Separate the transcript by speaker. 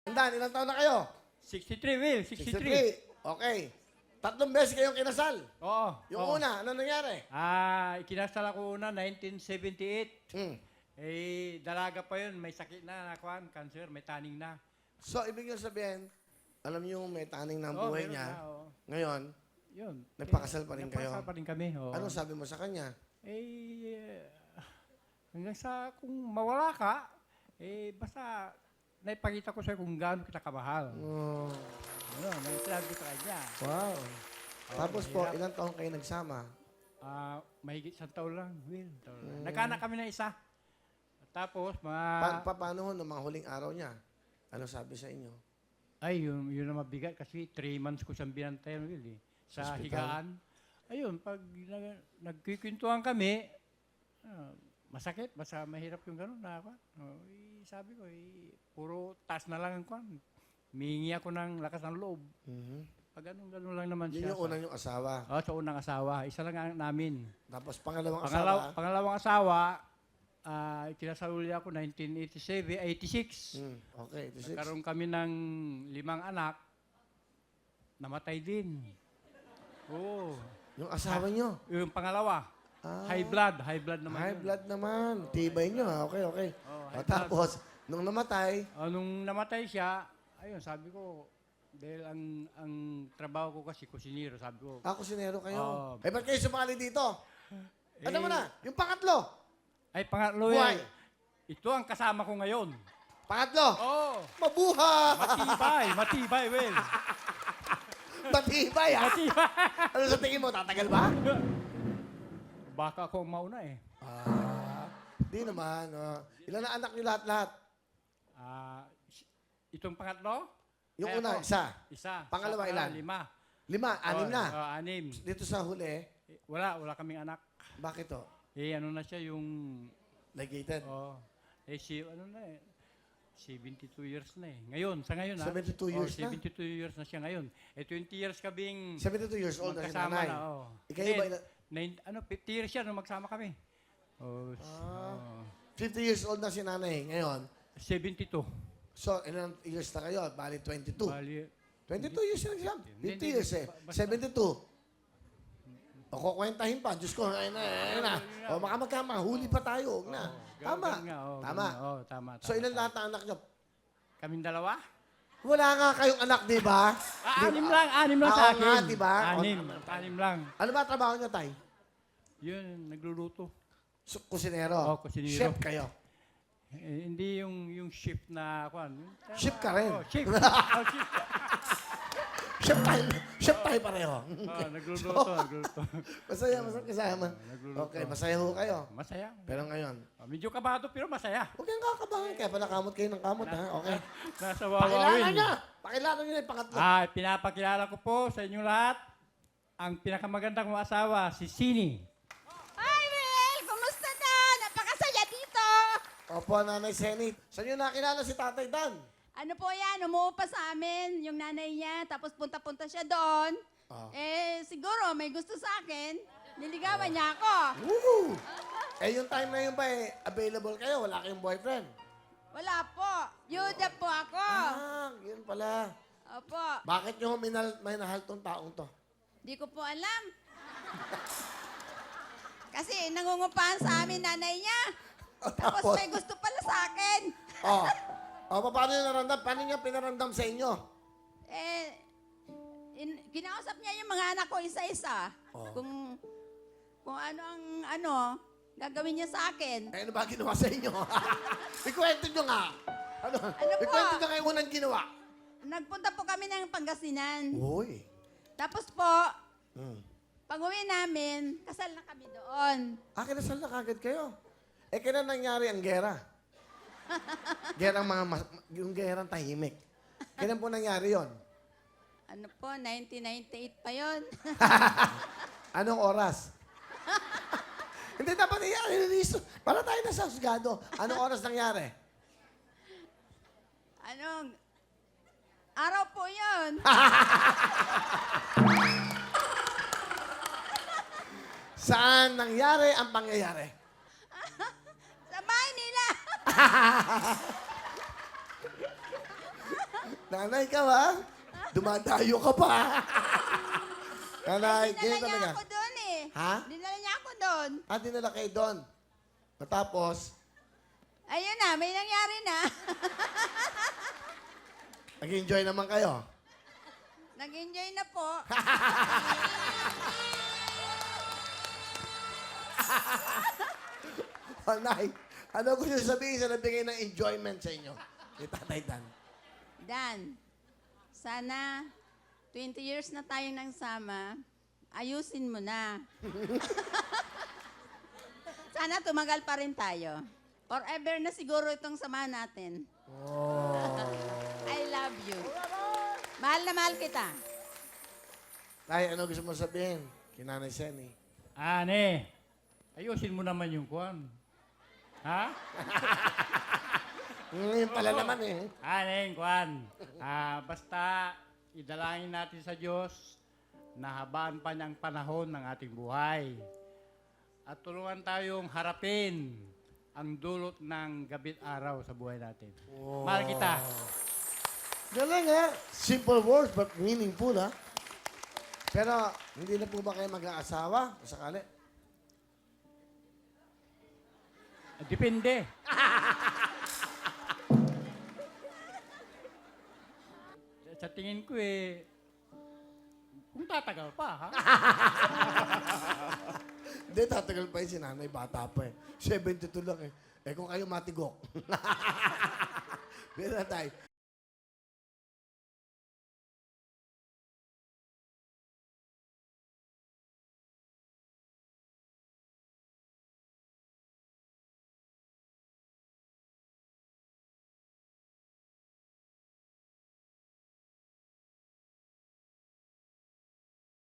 Speaker 1: Dan, ilang taon na kayo?
Speaker 2: 63, Will. 63.
Speaker 1: 63. Okay. 3 beses kayong kinasal.
Speaker 2: Oo.
Speaker 1: Yung
Speaker 2: oo.
Speaker 1: una, ano nangyari?
Speaker 2: Ikinasal ako una, 1978.
Speaker 1: Hmm.
Speaker 2: Dalaga pa yun. May sakit na, cancer, may taning na.
Speaker 1: So, ibig nyo sabihin, alam nyo may taning ng
Speaker 2: Oo,
Speaker 1: buhay
Speaker 2: meron
Speaker 1: niya.
Speaker 2: na, oo.
Speaker 1: Ngayon,
Speaker 2: Yun.
Speaker 1: nagpakasal pa rin kayo.
Speaker 2: Nagpakasal pa rin kami. Oo.
Speaker 1: Anong sabi mo sa kanya?
Speaker 2: Hanggang sa kung mawala ka, basta naipakita ko sa'yo kung gaano kita kamahal.
Speaker 1: Oh,
Speaker 2: Ano, naisalabi ko sa kanya.
Speaker 1: wow. Tapos po,
Speaker 2: mahirap.
Speaker 1: ilang taon kayo nagsama?
Speaker 2: Mahigit 1 taon lang, Will. Nagkaanak kami na isa. Tapos,
Speaker 1: Paano ho ng mga huling araw niya? Ano sabi sa inyo?
Speaker 2: Ay, yun na mabigat kasi 3 months ko siyang binantayan, Will, Sa
Speaker 1: Hospital?
Speaker 2: higaan. Ayun, pag nagkikwentuhan kami, masakit, basta mahirap yung gano'n na ako. Sabi ko, puro taas na lang ang kwan. Mihingi ako ng lakas ng loob. Pag gano'n lang naman
Speaker 1: Yun
Speaker 2: siya.
Speaker 1: yung unang yung asawa.
Speaker 2: Sa unang asawa. Isa lang ang namin.
Speaker 1: Tapos pangalawang asawa.
Speaker 2: Pangalawang asawa, ikinasal uli ako 1986.
Speaker 1: Okay, 86.
Speaker 2: Nagkaroon kami ng 5 anak. Namatay din. Oo.
Speaker 1: Yung asawa nyo.
Speaker 2: Yung pangalawa, high blood naman.
Speaker 1: High
Speaker 2: yun.
Speaker 1: blood naman. Tibay nyo ha. Okay, okay.
Speaker 2: high
Speaker 1: Tapos, nung namatay,
Speaker 2: Nung namatay siya, ayun, sabi ko, dahil ang trabaho ko kasi kusinero, sabi ko.
Speaker 1: kusinero kayo.
Speaker 2: Oo.
Speaker 1: Ba't kayo sumali dito? Ano mo na? Yung pangatlo.
Speaker 2: Ay, pangatlo
Speaker 1: Buhay.
Speaker 2: yan. Ito ang kasama ko ngayon.
Speaker 1: Pangatlo.
Speaker 2: Oh,
Speaker 1: Mabuhay!
Speaker 2: matibay, Will.
Speaker 1: Matibay ha?
Speaker 2: Matibay.
Speaker 1: Ano sa tingin mo? Tatagal ba?
Speaker 2: Baka ako ang mauna
Speaker 1: Di naman. Ilan na anak niyo lahat-lahat?
Speaker 2: Itong pangatlo?
Speaker 1: Yung
Speaker 2: Ay,
Speaker 1: una,
Speaker 2: ako.
Speaker 1: isa.
Speaker 2: Isa.
Speaker 1: Pangalawa,
Speaker 2: Sa-
Speaker 1: ilan?
Speaker 2: 5.
Speaker 1: 5, 6 na.
Speaker 2: 6.
Speaker 1: Dito sa huli,
Speaker 2: Wala kaming anak.
Speaker 1: bakit to?
Speaker 2: Ano na siya yung,
Speaker 1: Ligated.
Speaker 2: ano na 72 years na Ngayon, sa ngayon
Speaker 1: 72 years na?
Speaker 2: 72 years na siya ngayon. 20 years kaming
Speaker 1: 72 years old na si
Speaker 2: magkasama
Speaker 1: nanay.
Speaker 2: na.
Speaker 1: Ikaw ba?
Speaker 2: 50 years siya nung magsama kami.
Speaker 1: 50 years old na si nanay ngayon.
Speaker 2: 72.
Speaker 1: So, ilang years na kayo? Bali, 22.
Speaker 2: Bali,
Speaker 1: 22 years na siya. 50
Speaker 2: Hindi,
Speaker 1: years eh.
Speaker 2: basta-
Speaker 1: 72. O, kukwentahin pa. Diyos ko, ayun na. O, makamagkama. Huli pa tayo. Huwag na. Tama.
Speaker 2: ganun nga,
Speaker 1: Tama.
Speaker 2: ganun nga. Tama.
Speaker 1: So, ilan lahat ang anak niyo?
Speaker 2: Kaming dalawa?
Speaker 1: Wala nga kayong anak, di ba?
Speaker 2: Anim lang
Speaker 1: Oo
Speaker 2: sa akin.
Speaker 1: nga, di ba?
Speaker 2: Anim lang.
Speaker 1: Ano ba trabaho niyo, Tay?
Speaker 2: Yun, nagluluto.
Speaker 1: Kusinero.
Speaker 2: Kusinero.
Speaker 1: Chef kayo.
Speaker 2: Hindi yung shift na,
Speaker 1: Chef ka rin.
Speaker 2: Chef.
Speaker 1: Chef tayo pareho.
Speaker 2: Nagluluto.
Speaker 1: Masaya kasama.
Speaker 2: Nagluluto.
Speaker 1: Okay, masaya ho kayo.
Speaker 2: Masaya.
Speaker 1: Pero ngayon,
Speaker 2: Medyo kabado pero masaya.
Speaker 1: huwag kayong kakabahan. Kaya pala kamot kayo ng kamot, ha? Okay.
Speaker 2: Nasa
Speaker 1: Pakilala
Speaker 2: wawawin.
Speaker 1: niya! Pakilala niyo na yung pangatlo.
Speaker 2: Pinapakilala ko po sa inyong lahat ang pinakamagandang kong asawa, si Sini.
Speaker 3: Hi, Will! Kumusta na? Napakasaya dito!
Speaker 1: Opo, Nanay Senny. Saan niyo nakilala si Tatay Dan?
Speaker 3: Ano po yan? Umuupa sa amin yung nanay niya, tapos punta-punta siya doon. Siguro may gusto sa akin. Niligawan niya ako.
Speaker 1: Woo! Yung time na yun ba available kayo? Wala kayong boyfriend?
Speaker 3: Wala po. Yuda po ako.
Speaker 1: Yun pala.
Speaker 3: Opo.
Speaker 1: Bakit nyo minahal tong taong to?
Speaker 3: Di ko po alam. Kasi nangungupahan sa amin nanay niya. Tapos may gusto pala sa akin.
Speaker 1: Paano nyo naramdam? Paano nyo pinarandam sa inyo?
Speaker 3: Kinausap niya yung mga anak ko isa-isa. Kung ano gagawin niya sa akin.
Speaker 1: Ano ba ginawa sa inyo? Ikwento nyo nga.
Speaker 3: Ano po?
Speaker 1: Ikwento nyo kayo unang ginawa.
Speaker 3: Nagpunta po kami ng Pangasinan.
Speaker 1: Uy.
Speaker 3: Tapos po, pag-uwi namin, kasal na kami doon.
Speaker 1: Kinasal na kagad kayo. Kailan nangyari ang gera? Yung gerang tahimik. Kailan po nangyari yon?
Speaker 3: Ano po, 1998 pa yon.
Speaker 1: Anong oras? Hindi dapat i-release. Para tayo nasa husgado. Anong oras nangyari?
Speaker 3: Araw po yon.
Speaker 1: Saan nangyari ang pangyayari?
Speaker 3: Sa bahay nila.
Speaker 1: Nanay ka ba? Dumadayo ka pa. Nanay,
Speaker 3: Dinala
Speaker 1: ganyan
Speaker 3: niya
Speaker 1: talaga.
Speaker 3: ako doon eh.
Speaker 1: Ha?
Speaker 3: Dinala niya ako doon.
Speaker 1: Dinala kayo doon. Matapos,
Speaker 3: Ayun na, may nangyari na.
Speaker 1: nag-enjoy naman kayo.
Speaker 3: Nag-enjoy na po.
Speaker 1: Nay, ano gusto sabihin sa nabigay ng enjoyment sa inyo? Ni Tatay Dan.
Speaker 3: Dan, sana 20 years na tayong nagsama, ayusin mo na. Sana tumagal pa rin tayo. Forever na siguro itong sama natin.
Speaker 1: Oh.
Speaker 3: I love you. Mahal na mahal kita.
Speaker 1: Tay, ano gusto mo sabihin? Kinanay Senny.
Speaker 2: Ane, ayusin mo naman yung kwan. Ha?
Speaker 1: Yun pala naman eh.
Speaker 2: Ane, kwan. Basta idalangin natin sa Diyos na habaan pa niyang panahon ng ating buhay. At tulungan tayong harapin ang dulot ng gabit araw sa buhay natin. Mahal kita.
Speaker 1: Galing ha. Simple words but meaningful ha. Pero hindi na po ba kayo mag-aasawa? Sakali?
Speaker 2: Depende. Sa tingin ko kung tatagal pa, ha?
Speaker 1: Hindi, tatagal pa yun si nanay. Bata pa eh. 72 lang eh. Eh kung kayo matigok. Pero tayo.